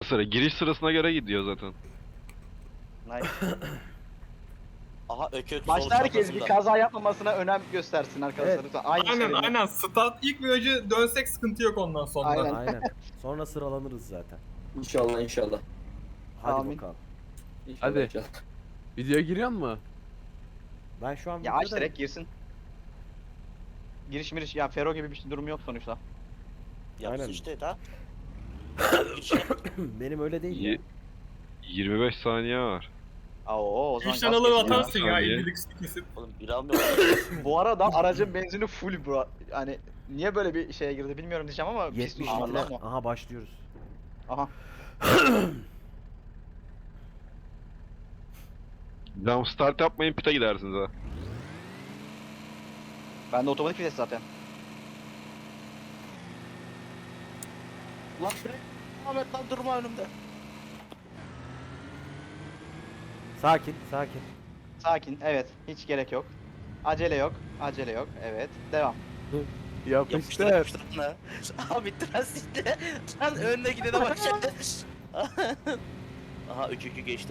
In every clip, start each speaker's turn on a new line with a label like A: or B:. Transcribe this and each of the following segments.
A: sıra. Giriş sırasına göre gidiyor zaten.
B: Nice. Aha ökök sol
C: Başta herkes bir
B: çaprazında.
C: kaza yapmamasına önem göstersin arkadaşlar.
D: Evet.
C: Lütfen. Aynı
E: Aynen
C: şeridi.
E: aynen. Start ilk virajı dönsek sıkıntı yok ondan sonra.
C: Aynen.
D: Aynen. Sonra sıralanırız zaten.
F: İnşallah inşallah.
D: Hadi
C: Amin.
D: bakalım.
F: İnşallah
G: Hadi.
F: inşallah.
G: Videoya giriyor mu?
D: Ben şu an
C: Ya aç
D: videodayım.
C: direkt girsin. Giriş miriş ya Fero gibi bir durum yok sonuçta.
D: Aynen.
B: Yapsın işte daha.
D: Benim öyle değil ya.
A: Ye- 25 saniye var.
C: Aa, o zaman
E: 3
C: gaz
E: tane alır
C: kesin ya.
E: atarsın ya
A: Saniye.
E: 50'lik stikisi.
B: Oğlum bir almıyor.
C: Bu arada aracın benzini full bro. Yani niye böyle bir şeye girdi bilmiyorum diyeceğim ama pis
D: 70
C: düşmanlı
D: litre.
C: ama.
D: Aha başlıyoruz.
C: Aha.
A: Jump start yapmayın, pite gidersiniz ha.
C: Ben de otomatik vites zaten.
B: Lan fren. Ahmet lan durma önümde.
D: Sakin, sakin.
C: Sakin evet hiç gerek yok. Acele yok. Acele yok. Evet. Devam.
B: Yapıştır
G: Yapıştır.
B: yapıştır lan. Abi transitle. Lan önüne gidene bak şimdi. Aha ökükü geçtim.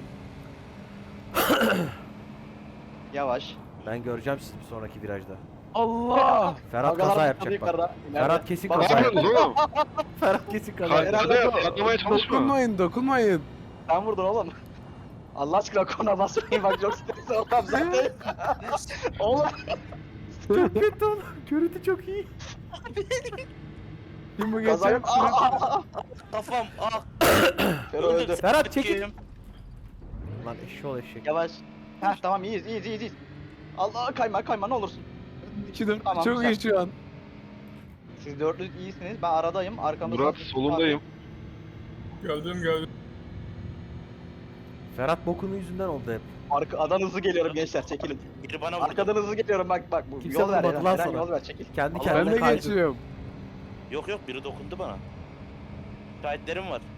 C: Yavaş.
D: Ben göreceğim sizi bir sonraki virajda.
G: Allah!
D: Ferhat
C: Agalar
D: kaza
C: patladı
D: yapacak bak.
C: yukarıda.
D: Ferhat kesin
A: Ne
D: kaza yapacak.
A: yapıyorsunuz oğlum?
D: Ferhat kesin kaza
A: Kaza
D: yapacak.
A: atlamaya çalışma.
G: Dokunmayın, dokunmayın.
C: Sen vurdun oğlum. Allah aşkına kona basmayın bak çok stresli ortam zaten. Oğlum.
D: Çok kötü oğlum. Görüntü çok iyi.
G: Kim bu
C: Kaza
G: geçen?
C: yok. Aa!
B: Kafam ah.
C: Fero öldü.
D: Ferhat çekil.
B: Öküğüm.
D: Lan eşşoğlu eşek.
C: Yavaş. Heh tamam iyiyiz. Allah kayma ne olursun.
G: 2-4
C: Tamam,
G: çok
C: güzel.
G: iyi şu an.
C: Siz dörtlü iyisiniz. Ben aradayım. Arkamda
A: Murat solundayım.
E: Gördüm.
D: Ferhat bokunu yüzünden oldu hep.
C: Arkadan hızlı geliyorum gençler çekilin.
B: Biri bana vurdu.
C: Arkadan hızlı geliyorum bak bu
D: Kimse
C: yol ver
D: vurmadı lan
C: Eren
D: sana.
C: yol ver çekil.
D: Kendi
B: Allah,
G: Ben
D: kendine
G: de
D: kaydı.
G: geçiyorum.
B: Yok biri dokundu bana. Şahitlerim var.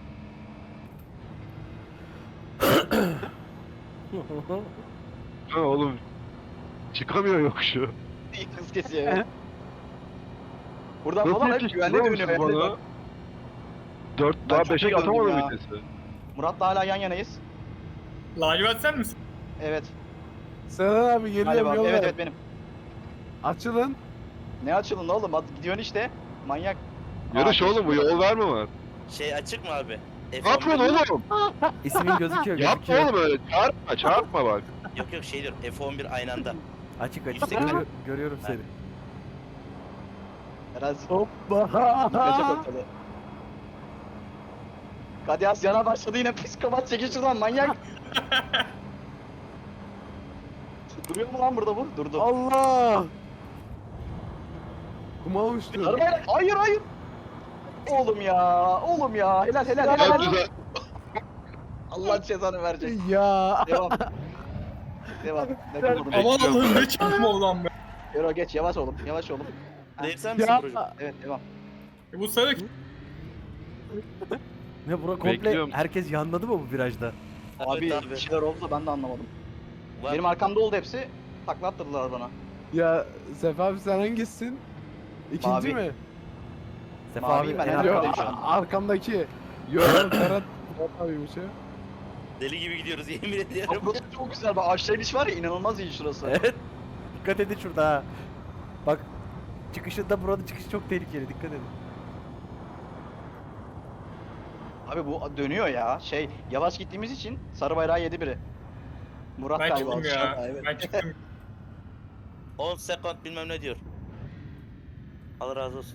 A: Ha oğlum. Çıkamıyor yokuşu.
C: İyi hız kesiyor evet. Buradan
A: Nasıl
C: falan hep
A: yetiştiriyor
C: güvenli
A: musun
C: dönüyor.
A: bana?
C: Yani.
A: 4
C: Ben
A: daha
C: çok
A: 5'e
C: iyi gördüm
A: atamadım
C: ya.
A: vitesi.
C: Murat'la hala yan yanayız.
E: Lacivert sen misin?
C: Evet.
G: Serhan abi geliyorum
C: Galiba.
G: yol
C: Evet
G: ver.
C: benim.
G: Açılın.
C: Ne açılın oğlum? Hadi gidiyorsun işte. Manyak.
A: Yarış
C: Aa,
A: oğlum bu yol verme var.
B: Şey açık mı abi?
A: Ne yapıyorsun oğlum?
D: İsmin gözüküyor
A: Yapma
D: gözüküyor.
A: oğlum öyle. Çarpma bak.
B: Yok şey diyorum F11 aynı anda.
D: Açık açık.
B: Yüksek-
D: Görüyorum seni.
C: Eren
G: Hoppa.
C: kaçak ortalığı. Kadiyas yana başladı yine psikopat çekil şuradan manyak. Duruyor mu lan burada bu? Durdu.
G: Allah! Kuma uçtu.
C: Arabayla hayır. Oğlum ya helal
A: Çok
C: helal.
A: güzel.
C: Allah cezanı verecek.
G: Ya.
C: Devam. Ne durdun?
E: Aman Allah'ım ne çabuk oldu lan be.
C: Yürü geç yavaş oğlum.
B: Değil sen misin
G: Ya.
B: Burcu?
C: Evet devam.
E: Bu sarı
D: Ne bura komple
A: Bekliyorum.
D: herkes yanladı mı bu virajda?
C: Abi
B: Evet
C: bir şeyler oldu da ben de anlamadım.
B: Var.
C: Benim arkamda oldu hepsi. Takla attırdılar bana.
G: Ya Sefa abi sen hangisisin? İkinci
C: Mavi.
G: mi?
D: Sefa
C: Maviyim
D: abi
C: ben,
D: en
C: en
G: Yok
C: arkadayım
D: arkadayım.
C: şu an.
G: arkamdaki. Yok Ferhat. Ferhat abiymiş ya.
B: Deli gibi gidiyoruz yemin
C: Abi
B: ediyorum.
C: burası çok güzel. Bak aşağı iniş var ya inanılmaz iyi şurası.
D: Evet. Dikkat edin şurada ha. Bak çıkışında buranın çıkışı çok tehlikeli dikkat edin.
C: Abi bu dönüyor ya. Yavaş gittiğimiz için sarı bayrağı yedi biri. Murat
E: ben
C: galiba.
E: çıktım ya.
C: aşağıda, evet.
E: Ben çıktım.
B: 10 sekund bilmem ne diyor. Allah razı olsun.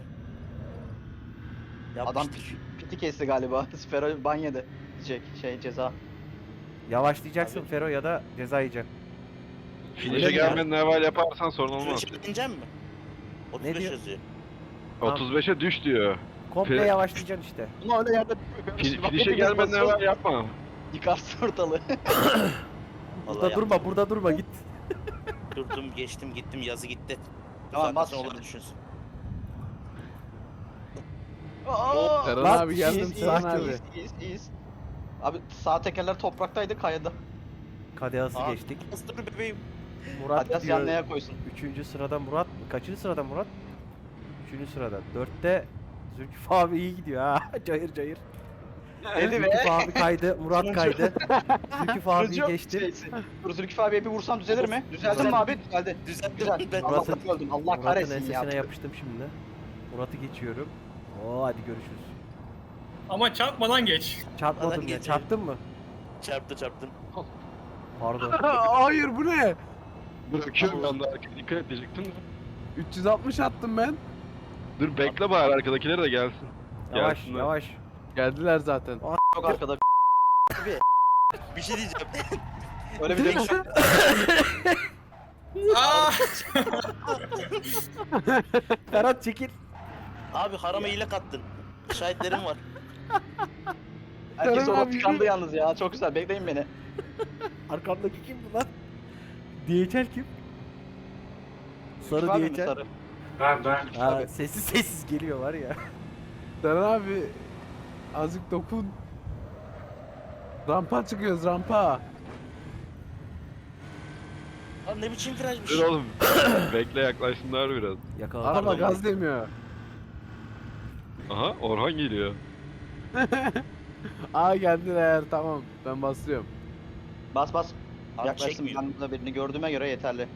C: Adam
B: Yapmıştır.
C: piti kesti galiba. Fero ban yedi. Ceza.
D: Yavaşlayacaksın Fero ya da ceza yiyeceksin.
A: Finish'e gelmeden evvel yaparsan sorun olmaz.
B: Şunu ineceğim mi? 35
D: diyor?
B: yazıyor.
A: 35'e düş diyor.
D: Komple
A: Fre-
D: yavaşlayacaksın işte.
C: Ama öyle yerde
A: Finish'e gelmeden evvel yapma.
C: yıkarsın ortalığı.
B: Vallahi
D: Burada durma, burada durma git.
B: Durdum, geçtim, gittim, yazı gitti.
C: Tamam, bas
B: Zaten
C: şimdi.
B: olur düşünsün.
C: Aa!
G: Serhan
D: Lan,
G: abi geldim
C: İyiyiz,
G: Serhan
C: iyiyiz,
G: abi.
C: iyiyiz. Abi sağ tekerler topraktaydı kaydı.
D: Kadehası
B: Aa,
D: geçtik.
B: Dur bebeğim.
D: Murat
C: Adidas
D: diyor.
C: yanlaya koysun.
D: 3. sırada Murat. Kaçıncı sırada Murat? 3. sırada. 4'te Zülküf abi iyi gidiyor ha. Cayır cayır.
C: Dedi ve
D: Zülküf abi kaydı, Murat
C: Sonuncu.
D: kaydı. Zülküf abiyi
C: Turuncu
D: geçtim.
C: şeysi. Dur Zülküf abiye bir vursam düzelir mi? Düzeldim mi abi? Düzeldi.
B: Düzelttim
C: Güzel.
B: ben.
C: Allah'tan öldüm. Allah
D: Murat'ın
C: kahretsin ya.
D: ensesine yapıştım şimdi. Murat'ı geçiyorum. Oo hadi görüşürüz.
E: Ama çarpmadan geç.
D: Çarpmadım
B: Adam
D: ya.
B: geçiyor.
D: Çarptın mı?
B: Çarptım.
D: Pardon.
G: Hayır bu ne?
A: Bırakıyorum ben de arkaya dikkat et diyecektim de.
G: 360 attım ben.
A: Dur bekle bari arkadakiler de gelsin.
D: Yavaş
A: Gelsinler.
D: yavaş.
G: Geldiler zaten.
C: Çok arkada.
B: Bir şey diyeceğim.
C: Öyle bir dönüş yok.
E: Aa!
D: Ferhat çekil.
B: Abi harama hile kattın. Şahitlerim var.
C: Herkes
G: Kerem
C: orada
G: abi,
C: tıkandı yalnız ya. Çok güzel. Bekleyin beni.
D: Arkamdaki kim bu lan? DHL kim? Sarı
C: Zülküf abi mi
D: DHL.
C: sarı?
D: Ha, sessiz geliyor var ya.
G: Seren abi azıcık dokun. Rampa çıkıyoruz rampa.
B: Lan ne biçim virajmış.
A: Dur oğlum. Bekle yaklaşsınlar biraz.
D: Yakaladım.
G: Araba
B: Pardon.
G: gaz demiyor.
A: Aha Orhan geliyor.
G: Aa geldiler tamam ben basıyorum.
C: Bas bas.
B: Abi
C: Yaklaştım.
B: çekmiyor.
C: Ben burada birini gördüğüme göre yeterli.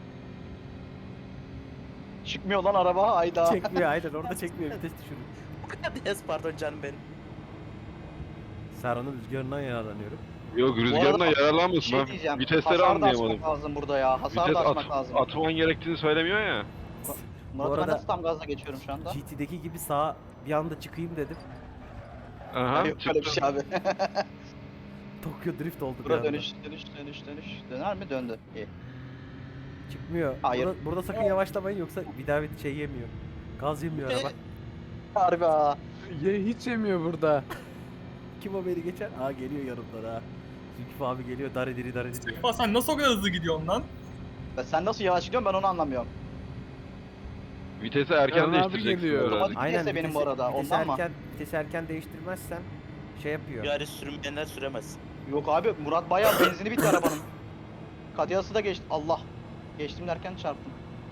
C: Çıkmıyor lan araba. Ayda.
D: Çekmiyor aynen orada çekmiyor vites düşürün.
B: Yes pardon canım benim.
D: Serhan'ın rüzgarından yararlanıyorum.
A: Yok rüzgarına
C: arada bir
A: yararlanmıyorsun
C: şey
A: ben
C: diyeceğim.
A: vitesleri
C: Hasar da
A: anlayamadım.
C: açmak lazım burada ya. Hasar
A: Vites
C: da açmak lazım.
A: atman gerektiğini söylemiyor ya.
C: Murat'ı ben
D: arada-
C: nasıl tam gazla geçiyorum şu anda?
D: GT'deki gibi sağa bir anda çıkayım dedim.
A: Aha
C: Yok öyle bir
A: çıktı.
C: şey abi.
D: Tokyo drift oldu bir
C: Burada
D: anda.
C: dönüş. Döner mi? Döndü. İyi.
D: Çıkmıyor.
C: Hayır.
D: Burada sakın yavaşlamayın yoksa bir daha bir şey yemiyor. Gaz yemiyor araba.
C: Harbi ha.
G: Hiç yemiyor burada.
D: Kim o beni geçer? Aa geliyor yanımdan ha. Zülküf abi geliyor dar ediri dar ediri.
E: Aa, sen nasıl o kadar hızlı gidiyorsun lan?
C: Sen nasıl yavaş gidiyorsun ben onu anlamıyorum.
A: Vitesi erken
G: Orhan abi
A: değiştireceksin.
G: geliyor.
A: herhalde.
C: Otomatik vitese benim bu arada, ondan mı?
D: Vitesi erken değiştirmezsen şey yapıyor.
B: Bir sürmeyenler süremez.
C: Yok abi Murat bayağı benzini bitti arabanın. Kadiyası da geçti. Allah. Geçtim derken çarptım.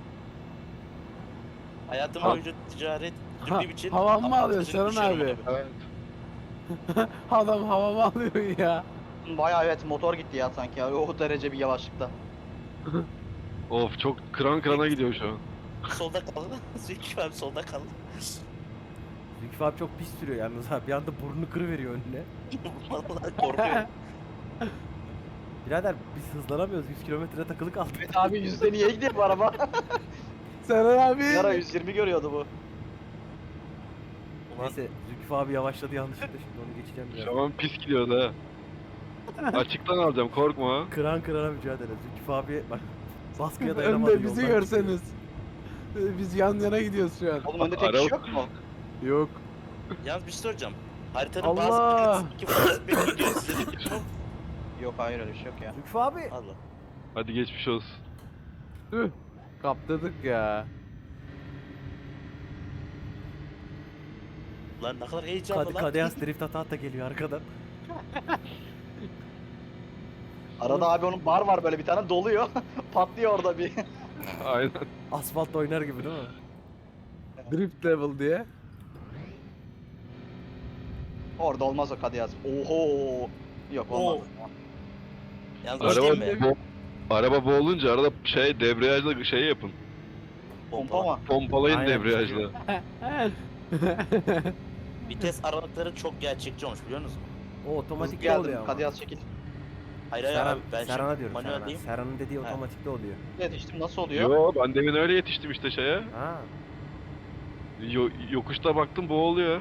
B: Hayatım
G: Ha.
B: boyunca ticaret
G: Ha,
B: dürdüğüm için...
G: havan mı
B: ama
G: alıyor
B: atıcılık
G: Seren
B: düşüyorum
G: abi?
A: Evet.
G: Adam havamı alıyor ya.
C: Bayağı evet motor gitti ya sanki ya. O derece bir yavaşlıkta.
A: Of çok kıran kırana gidiyor şu an.
B: abi. Solda kaldı. Zülküf abi solda kaldı.
D: Zülküf abi çok pis sürüyor yalnız ha. Bir anda burnunu kırıveriyor önüne.
B: Vallahi korkuyorum.
D: Birader biz hızlanamıyoruz. 100 kilometre takılı kaldık.
C: Evet abi yüzde niye gidiyor bu araba?
G: Seren abi.
C: Yara 120 görüyordu bu.
B: Ulan
D: Neyse Zülküf abi yavaşladı yanlışlıkla şimdi onu geçeceğim biraz.
A: Şu an pis gidiyordu ha. Açıktan alacağım korkma.
D: Kıran kırana mücadele. Zülküf abi bak baskıya dayanamadı.
G: Önde bizi
D: yoldan
G: görseniz. Biz yan yana gidiyoruz şu an.
C: Oğlum önde tek kişi yok mu?
G: Yok.
B: yalnız bir şey soracağım. Haritanın
G: Allah!
B: bazı iki farklı bir gidiyor size de gidiyor.
C: Yok hayır öyle bir şey yok ya.
D: Zülküf abi.
B: Allah.
A: Hadi geçmiş olsun.
G: Tüh. Kaptırdık ya.
B: Lan ne kadar heyecanlı lan.
D: Kadeyas drift ata geliyor arkadan.
C: Arada abi onun bar var böyle bir tane doluyor. Patlıyor orada bir.
A: Aynen.
D: Asfaltta oynar gibi değil mi?
G: Drift level diye.
C: Orada olmaz o Kadiyaz. Oho. Yok olmaz.
B: Yalnız
A: Araba,
B: bir şey mi?
A: araba boğulunca arada şey debriyajla şey yapın.
C: Pompa mı?
A: Pompalayın
D: Aynen.
A: debriyajla.
B: Vites aralıkları çok gerçekçi olmuş biliyor musun?
D: O otomatikte
C: Geldim
D: oluyor ama.
C: Kadiyaz çekil.
B: Hayır hayır
D: Serhan,
B: abi ben
D: Serhan'a
B: şimdi
D: diyorum
B: manuel
D: Serhan'a.
B: diyeyim.
D: Serhan'ın dediği
B: Ha.
D: otomatikte oluyor.
C: Yetiştim nasıl oluyor?
A: Yo ben demin öyle yetiştim işte şeye.
D: Ha.
A: Yokuşta baktım boğuluyor.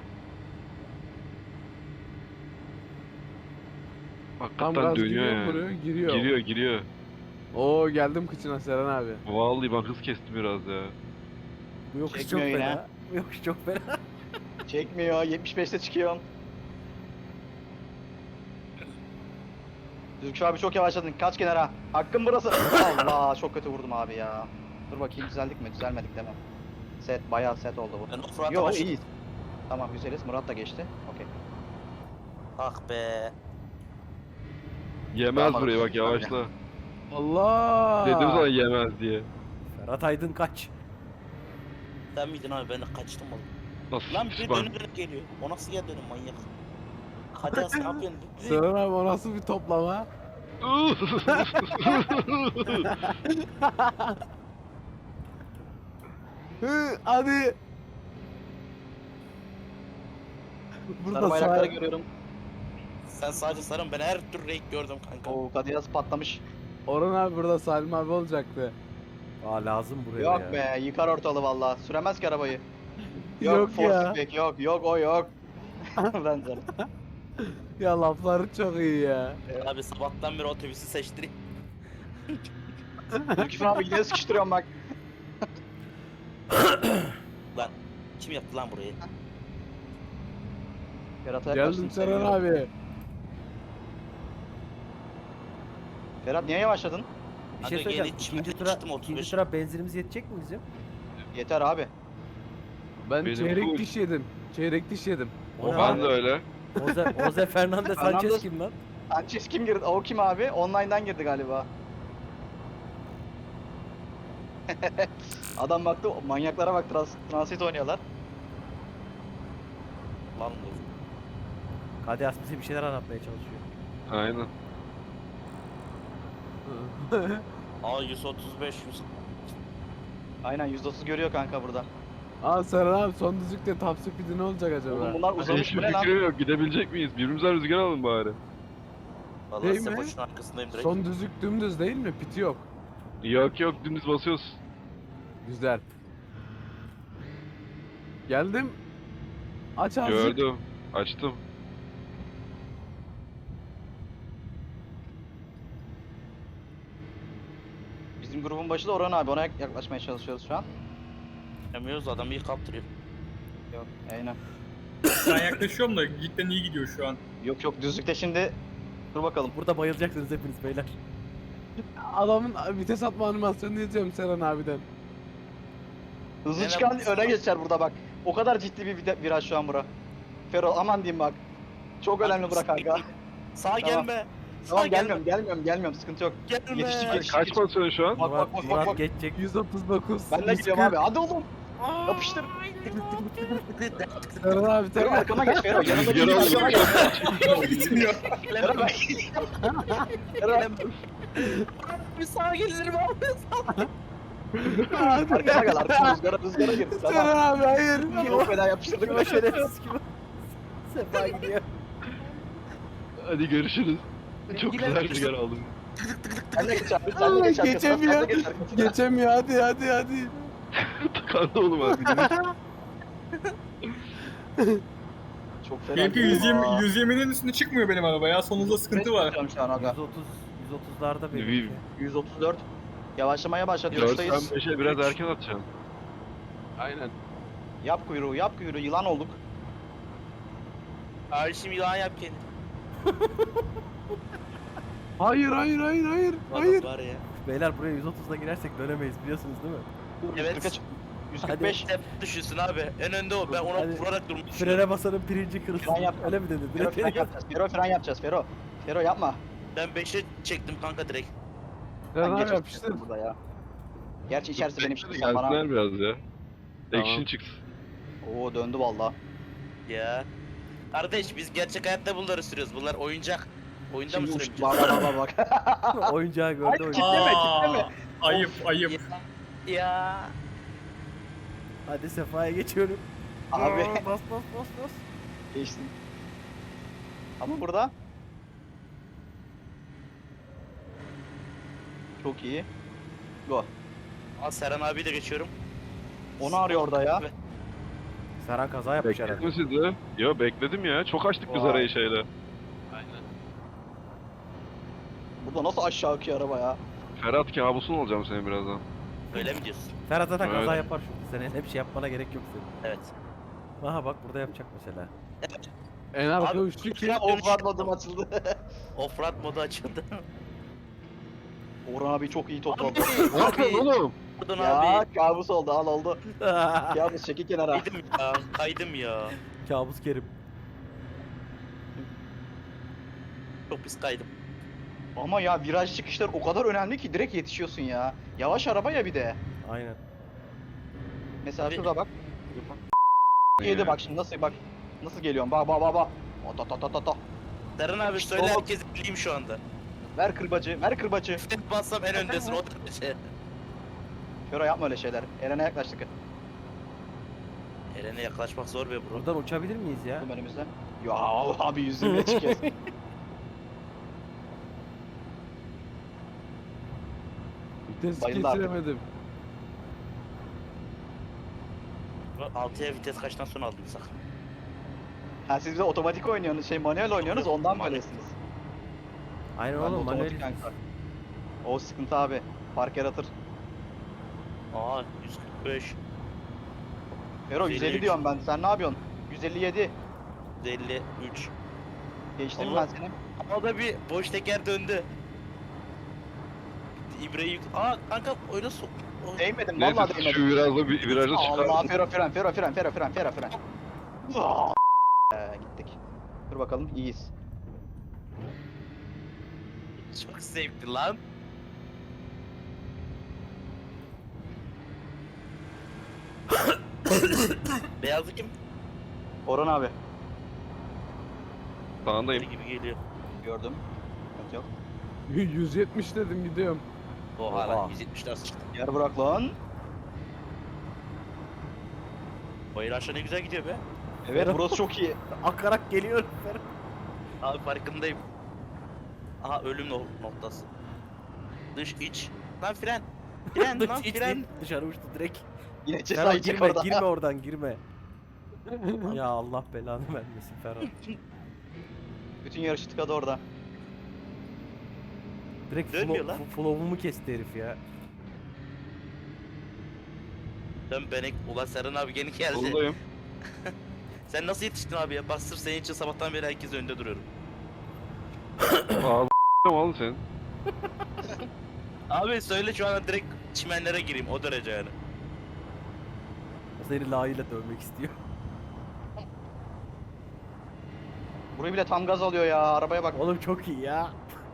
G: Tam
A: Hakikaten
G: gaz
A: dönüyor
G: giriyor
A: yani.
G: buraya giriyor.
A: Giriyor.
G: Oo geldim kıçına Seren abi.
A: Vallahi ben hız kestim biraz ya.
D: Bu yokuş çok
C: Çekmiyor yine.
D: fena. Bu yokuş çok fena.
C: Çekmiyor. 75'te çıkıyorum. Zülküf abi çok yavaşladın. Kaç kenara. Hakkım burası. Allah çok kötü vurdum abi ya. Dur bakayım düzeldik mi? Düzelmedik değil mi? Set bayağı set oldu bu.
B: Ben offroad'a
C: Yo
B: başladım.
C: iyiyiz. Tamam güzeliz. Murat da geçti. Okey.
B: Ah be.
A: Yemez
C: Tamam,
A: burayı bak
C: tamam.
A: yavaşla.
G: Allah.
A: Dedim sana yemez diye.
D: Ferhat Aydın kaç.
B: Sen miydin abi ben de kaçtım oğlum.
A: Nasıl
B: Lan
A: pis
B: bir
A: bak.
B: dönüp geliyor. O nasıl geldi önüm manyak. Hadi Aslı ne yapıyorsun?
G: Serhan abi o nasıl bir toplama? Hadi. Burada
C: Sarı bayrakları
G: sağ...
C: görüyorum.
B: Sen sadece sarın, ben her tür renk gördüm kanka.
C: Oo Kadiyas patlamış.
G: Orhan abi burada Salim abi olacaktı.
D: Aa lazım buraya
C: Yok
D: ya.
C: be yıkar ortalığı valla. Süremez ki arabayı.
G: Yok
C: Force
G: ya.
C: feedback, yok o yok. Bence.
G: Ya lafları çok iyi ya.
B: Abi sabahtan beri otobüsü seçtireyim.
C: Ülküfün abi yine sıkıştırıyorum bak.
B: Lan kim yaptı lan burayı?
C: Ferhat'a yaklaştım.
G: Geldim Serhan abi.
C: Ferhat niye yavaşladın?
D: Bir şey
B: Hadi
D: söyleyeceğim.
B: yeni
D: İkinci
B: çıktım,
D: tura,
B: çıktım 35.
D: ikinci tura benzinimiz yetecek mi bizim?
C: Yeter abi.
G: Ben
A: Benim
G: çeyrek
A: full.
G: diş yedim. Çeyrek diş yedim.
D: O ne
A: Ben
D: abi?
A: de öyle.
D: Jose Fernandez Sanchez
C: Fernandez-
D: kim lan?
C: Sanchez kim girdi? O kim abi? Online'dan girdi galiba. Adam baktı, manyaklara bak transit oynuyorlar.
B: Lan dur.
D: Kadiyas bize bir şeyler anlatmaya çalışıyor.
A: Aynen.
B: Aa 135 100.
C: Aynen %30 görüyor kanka burada.
G: Aa Serhan abi son düzlükte top speed'i ne olacak acaba?
C: Oğlum bunlar uzamış
A: Hiçbir
C: bu ne lan?
A: fikrim yok. Gidebilecek miyiz? Birbirimizden rüzgar alın bari.
B: Vallahi
G: Değil
B: size
G: mi?
B: boşun arkasındayım direkt.
G: Son düzlük dümdüz değil mi? Piti yok.
A: Yok yok dümdüz basıyoruz.
G: Güzel. Geldim. Aç azıcık.
A: Gördüm. Açtım.
C: Bizim grubun başı da Orhan abi, ona yaklaşmaya çalışıyoruz şu an.
B: Yemiyoruz, adamı iyi kaptırıyor.
C: Yok, aynen.
E: Ben yaklaşıyorum da cidden iyi gidiyor şu an.
C: Yok düzlükte şimdi. Dur bakalım.
D: Burada bayılacaksınız hepiniz beyler.
G: Adamın vites atma animasyonunu izliyorum Serhan abiden.
C: Hızlı
B: Ne
C: çıkan
B: lan?
C: öne geçer burada bak. O kadar ciddi bir viraj şu an bura. Fero aman diyeyim bak. Çok önemli bura kanka.
B: Sağa
C: Tamam.
B: gelme.
C: Tamam
B: Sağa
C: gelmiyorum sıkıntı yok.
B: Gelme.
C: Yetiştik,
A: Ay,
C: yetiştik.
A: kaç basıyorsun şu an?
C: Bak,
D: Murat,
C: bak,
D: Murat
C: bak.
D: geçecek.
G: 139.
C: Ben de gidiyorum abi, hadi oğlum. Yapıştır.
G: Serhan abi
C: Fero
G: Serhan.
C: arkama geç Fero. Yanında
A: Rüzgar
C: bir
A: alın.
C: arkama geç.
E: Bitmiyor.
C: Fero bak. Fero
B: Bir sağa gelirim abi.
C: arkama gel, arkama rüzgara gir. Tamam.
G: Serhan abi hayır.
C: Çok fena yapıştırdık.
D: Kim o şerefsiz kim o? Sefa gidiyor.
A: Hadi görüşürüz. Çok güzel rüzgar aldım.
C: Sen de geç abi. Sen de geç arkasına.
G: Geçemiyor.
C: Sen de geç arkasına.
G: Geçemiyor hadi.
A: Tıkandı oğlum abi.
C: Çok fena.
E: Benimki
C: Aa.
E: 120'nin üstüne çıkmıyor benim araba ya. Sonunda sıkıntı var.
C: Şu an aga.
D: 130'larda benimki.
C: 134. Yavaşlamaya başladı. Yokuştayız.
A: 4'ten 5'e biraz erken atacaksın.
G: Aynen.
C: Yap kuyruğu, yılan olduk.
B: Abi şimdi yılan yap kendini.
G: Hayır.
B: Adam var ya.
D: Beyler buraya 130'da girersek dönemeyiz biliyorsunuz değil mi?
B: Evet.
C: 145.
B: Hep düşünsün abi. En önde o. Ben ona
D: Hadi.
B: vurarak durmuş.
D: Frene basanın pirinci kırılsın.
C: Fren yap.
D: Öyle mi dedi?
C: Fero
D: Direkt
C: fren yapacağız. Fero fren yapacağız. Fero yapma.
B: Ben 5'e çektim kanka direkt.
G: Serhan
C: Ben
G: abi
C: geç
G: yapıştır.
C: burada ya. Gerçi içerisi benim şimdi sen
A: Gelsinler
C: bana.
A: biraz ya.
G: Tamam.
A: Action çıksın.
C: Oo döndü valla.
B: Ya. Kardeş biz gerçek hayatta bunları sürüyoruz. Bunlar oyuncak. Oyunda mı
C: Şimdi
B: süremeyeceğiz?
C: bak.
D: Oyuncağı gördü oyuncağı.
C: Kitleme.
E: Ayıp.
B: Ya.
D: Hadi Sefa'ya geçiyorum.
C: Abi
D: Aa, bas.
C: geçtim. Ama burada. Çok iyi. Go.
B: Al Serhan abi de geçiyorum.
C: Onu arıyor orada ya.
D: Serhan kaza yapmış
A: Bekledin
D: herhalde.
A: mi sizi? Yo bekledim ya. Çok açtık biz
C: Vay.
A: arayı şeyle.
C: Burada nasıl aşağı akıyor araba ya?
A: Ferhat kabusun olacağım senin birazdan.
B: Öyle mi diyorsun?
D: Ferhat zaten kaza
A: Öyle.
D: yapar şu. Senin hep şey yapmana gerek yok senin.
B: Evet.
D: Aha bak burada yapacak mesela.
G: En arka
B: Abi,
G: uçtu ki.
C: Ya off-road modum açıldı.
B: Offroad modu açıldı.
C: Orhan abi çok iyi topladı.
A: Ne yapıyorsun oğlum?
B: Pardon
C: Ya
B: abi.
C: kabus oldu, al oldu. Kabus çeki kenara.
B: Kaydım ya. Kaydım ya.
D: Kabus Kerim.
B: Çok pis kaydım.
C: Ama ya viraj çıkışlar o kadar önemli ki direkt yetişiyorsun ya. Yavaş araba ya bir de.
D: Aynen.
C: Mesela
B: Abi-
C: şurada bak. Yedi bak şimdi nasıl bak. Nasıl geliyorum? Bak. Oto.
B: Serhan abi söyle
C: Oğlum.
B: herkes bileyim şu anda.
C: Ver kırbacı, ver kırbacı.
B: Tek bassam en öndesin o derece.
C: Fero yapma öyle şeyler. Eren'e yaklaştık.
B: Eren'e yaklaşmak zor be bro.
D: Buradan uçabilir miyiz ya?
C: Bizim önümüzde. Ya abi 120'ye çıkıyoruz.
G: Vites
C: Bayıldı artık.
G: geçiremedim.
B: 6'ya vites kaçtan sonra aldın sak?
C: Ha siz de otomatik oynuyorsunuz, manuel oynuyorsunuz ondan böylesiniz.
D: Aynen
C: Ben de
D: oğlum
C: otomatik
D: manuel.
C: kanka. O sıkıntı abi. Fark yaratır.
B: Aa 145,
C: Fero 150
B: 153.
C: diyorum ben. Sen ne yapıyorsun? 157.
B: 153.
C: Geçtim
B: Oğlum.
C: ben seni.
B: O da bir boş teker döndü. İbreyi yük... Aa kanka öyle sok.
C: Değmedim
A: Neyse
C: vallahi
A: şu
C: değmedim.
A: virajda bir virajda
C: Allah
A: çıkar.
C: fren. Gittik. Dur bakalım iyiyiz.
B: Çok zevkli lan. Beyazlı kim?
C: Orhan abi.
A: Sağındayım.
B: Biri gibi geliyor.
C: Gördüm. Sıkıntı yok.
G: 170 dedim gidiyorum.
B: Oha
D: Oha.
B: lan 170 nasıl çıktı?
C: Yer bırak lan.
B: Bayır aşağı ne güzel gidiyor be.
C: Evet burası çok iyi.
D: Akarak geliyor. Ferhat.
B: Abi farkındayım. Aha ölüm noktası. Dış iç. Lan fren. Fren lan
D: Hiç
B: fren.
D: değil, dışarı uçtu direkt.
C: Yine
D: Ferhat
C: ceza yiyecek
D: girme,
C: orada.
D: girme oradan girme. Ya Allah belanı vermesin Ferhat.
C: Bütün yarışı tıkadı orada.
D: Direkt
B: Dönmüyor lan.
D: flow'umu kesti herif ya.
B: Dön benek. Ulan Serhan abi gene geldi.
A: Soldayım.
B: Sen nasıl yetiştin abi ya? Bak sırf senin için sabahtan beri herkes önünde duruyorum.
A: Ağzı oğlum senin.
B: Abi söyle şu an direkt çimenlere gireyim o derece yani.
D: O seni layığıyla dövmek istiyor.
C: Burayı bile tam gaz alıyor ya. Arabaya bak.
D: Oğlum çok iyi ya.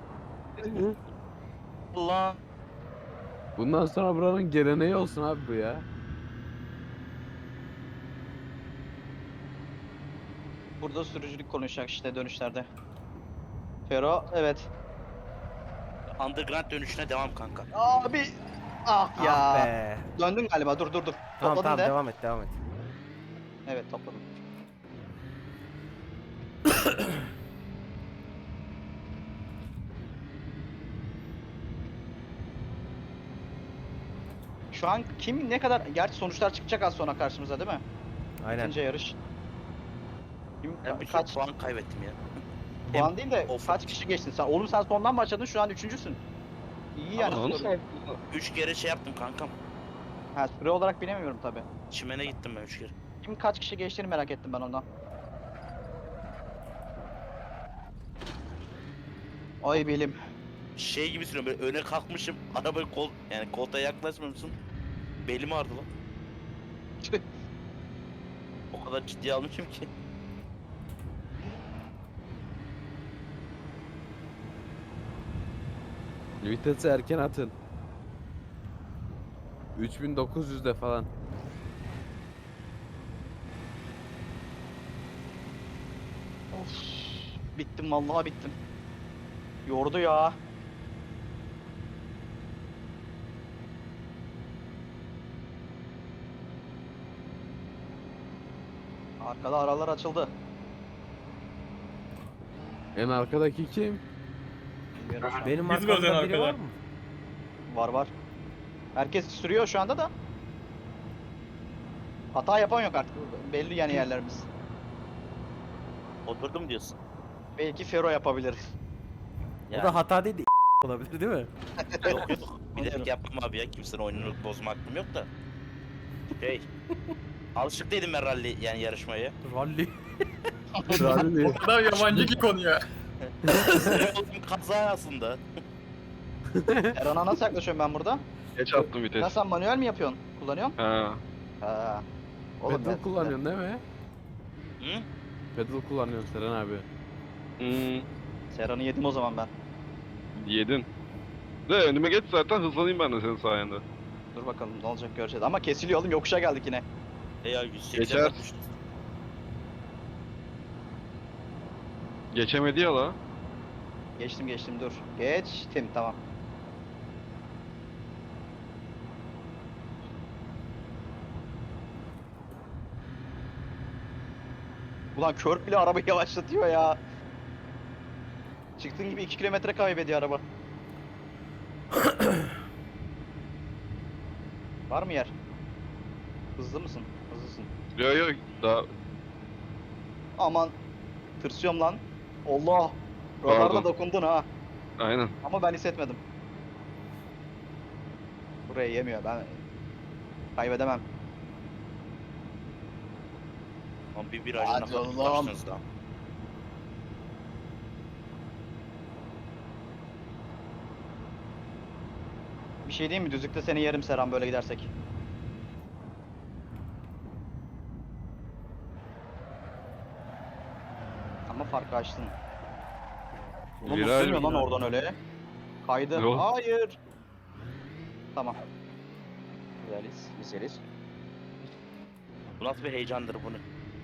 B: Allah.
G: Bundan sonra buranın geleneği olsun abi bu ya.
C: Burada sürücülük konuşacak işte dönüşlerde. Fero evet.
B: Underground dönüşüne devam kanka.
C: Abi. Ah ya.
D: Ah be.
C: Döndün galiba dur.
D: Tamam
C: Topladın
D: tamam
C: de.
D: devam et devam et.
C: Evet topladım. Şu an kim ne kadar... Gerçi sonuçlar çıkacak az sonra karşımıza değil mi?
D: Aynen.
C: İkinci yarış. Kim,
B: Ben bir
C: kaç
B: puan kaybettim ya.
C: puan değil de
B: Of.
C: kaç kişi geçtin sen? Oğlum sen sondan başladın şu an üçüncüsün. İyi yani.
A: Ama
C: süre-
B: 3 kere şey yaptım kankam.
C: Ha, süre olarak bilemiyorum tabi.
B: Çimene gittim ben 3 kere.
C: Kim kaç kişi geçtiğini merak ettim ben ondan. Ay belim.
B: Şey gibi sürüyorum böyle öne kalkmışım. Arabayı yani koltuğa yaklaşmamışsın. Belim ağrıdı lan. O kadar ciddiye almışım ki.
G: Vitesi erken atın. 3900'de falan.
C: Of. Bittim vallahi bittim. Yordu ya. Arkada aralar açıldı.
G: En arkadaki kim?
C: Bilmiyorum şu an.
D: Benim
E: Biz mi özel
D: arkamda biri
E: arkada?
D: var mı?
C: Var. Herkes sürüyor şu anda da. Hata yapan yok artık. Belli yani yerlerimiz.
B: Oturdum diyorsun.
C: Belki Fero yapabilir.
D: O da hata değil de olabilir değil mi?
B: Yok yok. Bilerek yapmam abi ya. Kimsenin oyununu bozma hakkım yok da. Hey. Alışık değilim ben rally yani yarışmaya.
D: Rally.
G: Rally.
E: O kadar yabancı ki konuya.
B: Oldum kaza aslında.
C: Erhan'a nasıl yaklaşıyorum ben burada?
A: Geç attım
C: Ya
A: vites.
C: sen manuel mi yapıyorsun? Kullanıyorsun?
A: Ha.
C: Ha. Oğlum
G: Pedal kullanıyorsun değil mi?
B: Hı?
G: Pedal kullanıyorsun Seren abi.
C: Serhan'ı yedim o zaman ben.
A: Yedin. De önüme geç zaten hızlanayım ben de senin sayende.
C: Dur bakalım ne olacak göreceğiz. Ama kesiliyor oğlum yokuşa geldik yine.
B: Ya 180
A: Geçer.
B: yapmıştım.
A: Geçemedi ya la.
C: Geçtim dur. Geçtim tamam. Ulan kör bile arabayı yavaşlatıyor ya. Çıktığın gibi 2 kilometre kaybediyor araba. Var mı yer? Hızlı mısın? Hızlısın.
A: Yok yok daha
C: Aman. Tırsıyorum lan. Allah. Radarda
A: Pardon.
C: dokundun ha.
A: aynen.
C: Ama ben hissetmedim. Burayı yemiyor ben. Kaybedemem.
B: Lan bir virajına
C: Hadi
B: kadar
C: oğlum.
B: ulaştınız da.
C: Bir şey diyeyim mi? Düzlükte seni yerim Serhan böyle gidersek. Ama farkı açtın. Oğlum
A: Viraj
C: nasıl dönüyor
A: mı?
C: lan oradan öyle? Kaydı.
A: Yok.
C: Hayır. Tamam. Güzeliz.
B: Bu nasıl bir heyecandır bunu?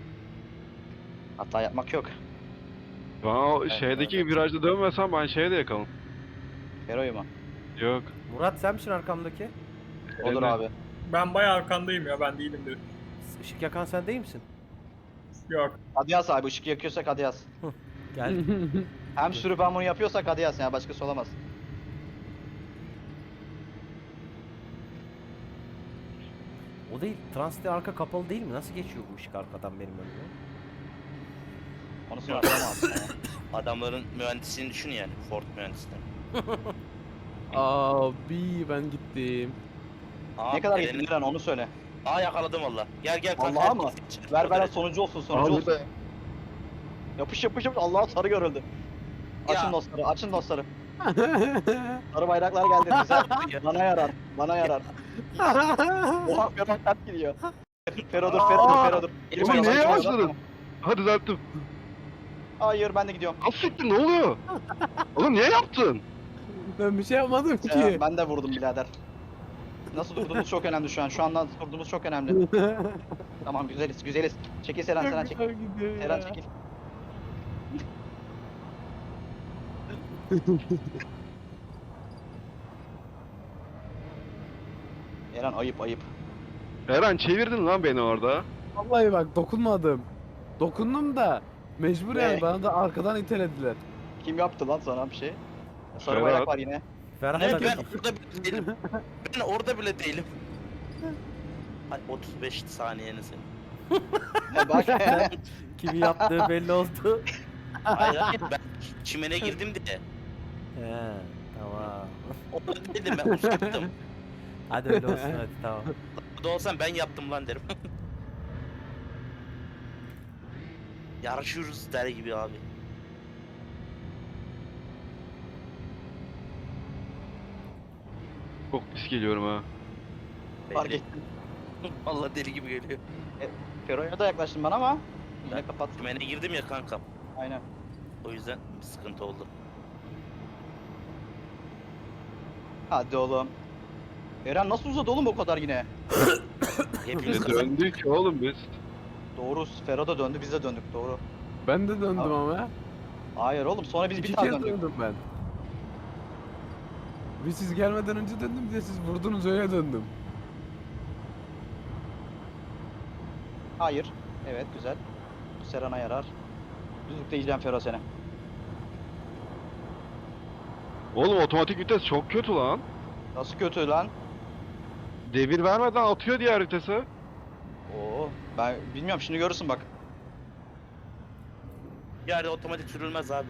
C: Hata yapmak yok.
A: Ben o şeydeki virajda dönmesem ben şeye de yakalım.
C: Hero'yu mu?
A: Yok.
D: Murat sen misin arkamdaki?
C: Olur
A: Emre.
C: abi.
E: Ben bayağı arkandayım ya, ben değilimdir.
D: Işık yakan sen değil misin?
E: Yok.
C: Hadi yaz abi, ışık yakıyorsak hadi yaz.
D: Gel.
C: Hem sürüp hem bunu yapıyorsak hadi yaz ya, başkası olamaz.
D: O değil. Transit'te arka kapalı değil mi? Nasıl geçiyor bu ışık arkadan benim önüme?
C: Onu sonra atamam.
B: Adamların mühendisliğini düşün yani. Ford mühendisliğini.
G: Abi ben gittim.
B: Aa,
C: Ne kadar
B: Eren'i-
C: gittin Diren onu söyle.
B: Aa yakaladım valla. Gel kanka.
C: Vallahi mı?
B: herkes geç.
C: Ver sonuncu olsun sonuncu olsun. Yapış. Allah'a sarı görüldü. Açın
B: Ya.
C: dostları, açın dostları. Sarı bayraklar geldi bize. Bana yarar. Oha Ferhat ters gidiyor. Fero dur.
A: Oğlum
C: Fero,
A: niye
C: sakin ol,
A: yavaşladın?
C: tamam.
A: Ha düzelttim.
C: Hayır ben de gidiyorum.
A: Asiktir ne oluyor? Oğlum niye yaptın?
G: Ben bir şey yapmadım ki.
C: Ben de vurdum birader. Nasıl durduğumuz çok önemli şu an. Şu anda nasıl durduğumuz çok önemli. Tamam güzeliz. Çekil Seren çekil.
G: Çok gidiyor ya.
C: Seren çekil. Eren ayıp.
A: Eren çevirdin lan beni orada.
G: Vallahi bak dokunmadım. Dokundum da mecbur
C: Ne?
G: yani bana da arkadan itelediler.
C: Kim yaptı lan sana bir şey? Sarı
A: Ferhat.
C: bayrak var yine.
D: Ferhat
B: Ne,
D: da
B: ben orada bile değilim. Ben orada bile değilim. Ay 35 saniyeni sen.
C: Bak.
D: kimi yaptığı belli oldu.
B: Hayır ben çimene girdim diye.
D: He, tamam.
B: Orada dedim ben uzaktım.
D: Hadi öyle olsun hadi tamam.
B: Burada olsam ben yaptım lan derim. Yarışıyoruz der gibi abi.
A: Çok pis geliyorum ha.
C: Fark
B: Belli.
C: ettim.
B: Vallahi deli gibi geliyor.
C: Fero'ya da yaklaştın bana ama yine kapat.
B: Çimene girdim ya kankam.
C: Aynen.
B: O yüzden bir sıkıntı oldu.
C: Hadi oğlum. Eren nasıl uzadı oğlum o kadar yine?
B: Hepimiz
A: Ne
B: kazandık.
A: döndük oğlum biz.
C: Doğru. Fero da döndü, biz de döndük. Doğru.
G: Ben de döndüm
C: Abi,
G: ama.
C: Hayır oğlum, sonra biz
G: İki
C: bir daha
G: kez
C: döndük.
G: döndüm ben. Bir siz gelmeden önce döndüm, bir de siz vurdunuz öyle döndüm.
C: Hayır. Evet güzel. Bu Seren'a yarar. Düzlükte yiyeceğim Fero seni.
A: Oğlum otomatik vites çok kötü lan.
C: Nasıl kötü lan?
A: Devir vermeden atıyor diğer vitese.
C: Oo, ben bilmiyorum, şimdi görürsün bak.
B: Yani otomatik sürülmez abi.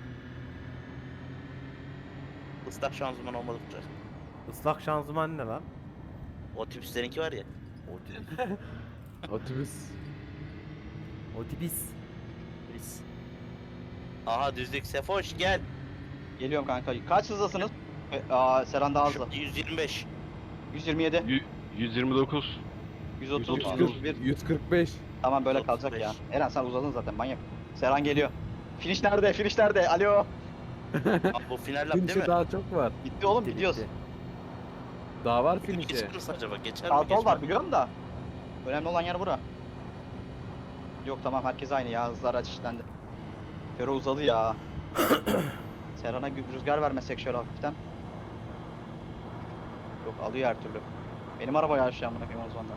B: Islak şanzıman olmadıkça.
D: Islak şanzıman ne lan?
B: Otobüslerinki var ya.
D: Otibis.
G: Otobüs.
D: Otibis.
B: Biz. Aha düzlük Sefoş gel.
C: Geliyorum kanka. Kaç hızdasınız? Seren daha hızlı.
B: 125.
C: 127,
A: 129.
C: 130,
A: 130.
C: 131.
G: 145.
C: Tamam böyle
B: 135.
C: kalacak ya. Eren sen uzadın zaten manyak. Seren geliyor. Finish nerede? Finish nerede? Alo.
B: Abi bu final lap değil
G: Finish'e
B: mi?
G: daha çok var.
C: Bitti oğlum,
D: Bitti,
C: gidiyoruz.
D: bitti.
G: Daha var finish'e.
B: Geçer misin acaba? Geçer mi?
C: Sağ sol
B: Geçmez
C: var
B: mi?
C: biliyorum da. Önemli olan yer bura. Yok tamam, herkes aynı ya. Hızlar açışlandı. Fero uzadı ya. Serhan'a rüzgar vermesek şöyle hafiften. Yok alıyor her türlü. Benim araba ya aşağı amına koyayım o zaman da.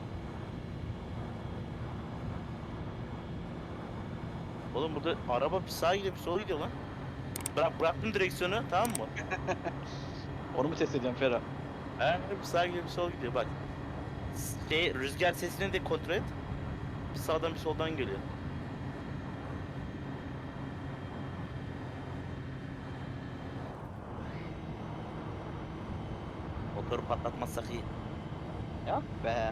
B: Oğlum burada araba bir sağa gidiyor bir sola gidiyor lan. Bıraktım direksiyonu tamam mı?
C: Onu mu test ediyorsun Fero?
B: He bir sağa gidiyor bir sola gidiyor bak. Rüzgar sesini de kontrol et. Bir sağdan bir soldan geliyor. Motoru patlatmazsak iyi.
C: Ya be.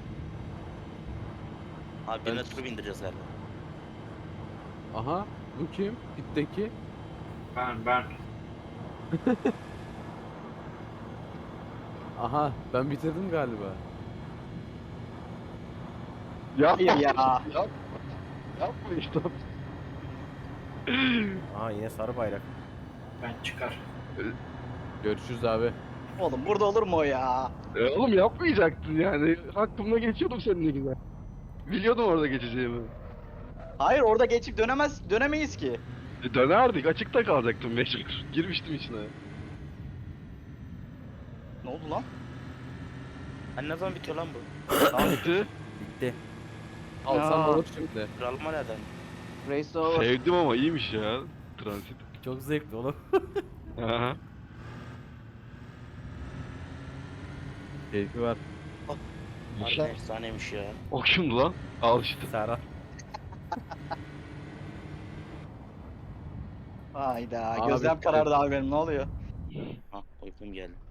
B: Abi birine turu bindireceğiz galiba.
G: Aha bu kim? Pitteki.
E: Ben.
G: Aha ben bitirdim galiba.
C: Hayır ya.
A: Yapma işte.
D: Aha yine sarı bayrak.
E: Ben çıkar.
G: Görüşürüz abi.
C: Oğlum burada olur mu o ya?
A: Oğlum yapmayacaktın yani. Hakkımda geçiyordum seninle güzel. Biliyordum orada geçeceğimi.
C: Hayır orada geçip dönemeyiz ki.
A: Dönerdik. Açıkta kalacaktım mecbur. Girmiştim içine.
C: Ne oldu lan?
B: Hani ne zaman bitiyor lan bu?
A: Tamam bitti.
D: Bitti.
G: Alsam
C: Ya.
G: olur şimdi.
B: Kralma nereden?
C: Race over.
A: Sevdim ama iyiymiş ya. Transit.
D: Çok zevkli oğlum.
A: Aha.
G: Keyfi var.
B: Harbiden efsaneymiş ya.
A: O kimdi lan? Al işte.
D: Serhan.
C: Hayda
G: Abi,
C: gözlem karardı abi benim ne oluyor?
B: Ha uykum geldi.